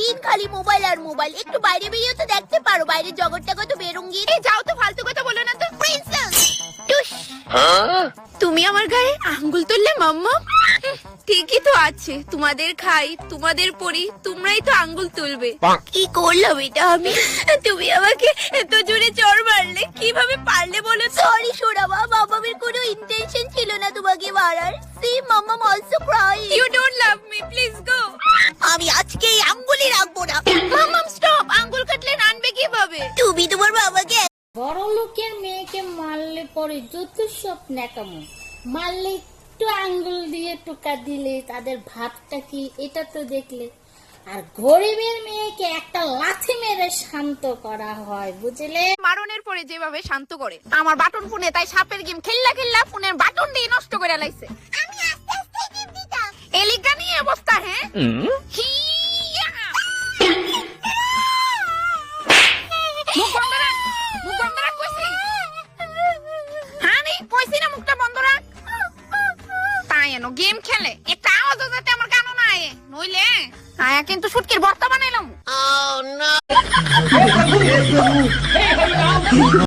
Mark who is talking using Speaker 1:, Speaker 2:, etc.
Speaker 1: সারাদিন খালি মোবাইল আর মোবাইল। একটু বাইরে বেরিয়ে তো দেখতে পারো, বাইরের জগৎটা কত বেরঙ্গি। যাও তো, ফালতু কথা বলো না তো। প্রিন্সেস তুমি আমার গায়ে আঙ্গুল তুললে মাম্মা। ঠিকই তো আছে, তোমাদের খাই, তোমাদের পরি, তোমরাই তো আঙ্গুল তুলবে। কি করলাম এটা আমি? তুমি আমাকে এত জোরে চড় মারলে, কিভাবে পারলে বলো? সরি সোনামা, মামামের কোনো ইন্টেনশন ছিল না তোমাকে মারার। সি মামাম also cry. You don't love me, please go. আমি আজকে এই আঙ্গুলই রাখবো না। মামাম স্টপ, আঙ্গুল কাটলে রানবে কিভাবে? তুমি তোমার বাবাকে।
Speaker 2: বড় লোকের মেয়েকে মারলে পরে যত সব ন্যাকামো, মারলে একটু আঙ্গুল দিয়ে টোকা দিলে তাদের ভাবটা কি, এটা তো দেখলে। আর গরিবের মেয়েকে একটা লাথি মেরে শান্ত করা হয়, বুঝলে?
Speaker 1: মারনের পরে যেভাবে শান্ত করে আমার বাটন ফোনে, তাই সাপের গেম খেললা খেললা ফোনের বাটন দিয়ে নষ্ট করে লাইছে। আমি আস্তে আস্তে টিপ দিতাম, এলিগা নিয়ে অবস্থা। হ্যাঁ হিয়া! মুখ বন্ধ রাখ, মুখ বন্ধ রাখ কইছি। হ্যাঁ রে, কইছি না মুখটা বন্ধ রাখ। তাই এনো গেম খেলে একটা আওয়াজও যাতে আমার কানে না আয়ে, নইলে আয়া কিন্তু শুটকির ভর্তা বানাইলাম।